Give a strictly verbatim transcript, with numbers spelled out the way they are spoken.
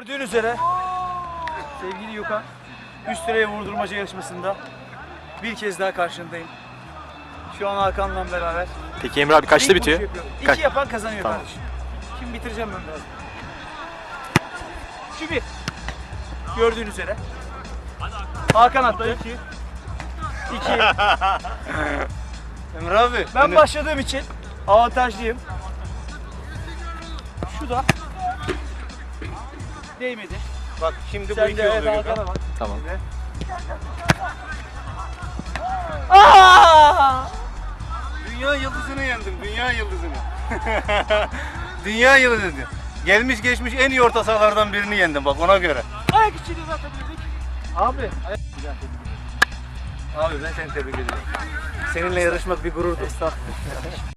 Gördüğün üzere sevgili Yukan üst direğe vurdurmaca yarışmasında bir kez daha karşındayım. Şu an Hakan'la beraber. Peki Emre abi kaçta İlk bitiyor? vuruşu yapıyorum. İki Kaç? yapan kazanıyor Tamam. kardeşim. Şimdi bitireceğim ben biraz. Şu bir. Gördüğün üzere. Hakan attı. İki. İki. Emre abi. Ben başladığım için avantajlıyım. Şu da değmedi. Bak şimdi bu Sen iki de evet, oluyor. Hakan'a bak. Tamam. Aa! Dünya yıldızını yendim. Dünya yıldızını. Dünya yıldızını. Gelmiş geçmiş en iyi orta sahalardan birini yendim bak ona göre. Ayak içini atabildik. Abi. Ayak... Abi ben seni tebrik ederim. Seninle yarışmak bir gururdur. Estağfurullah.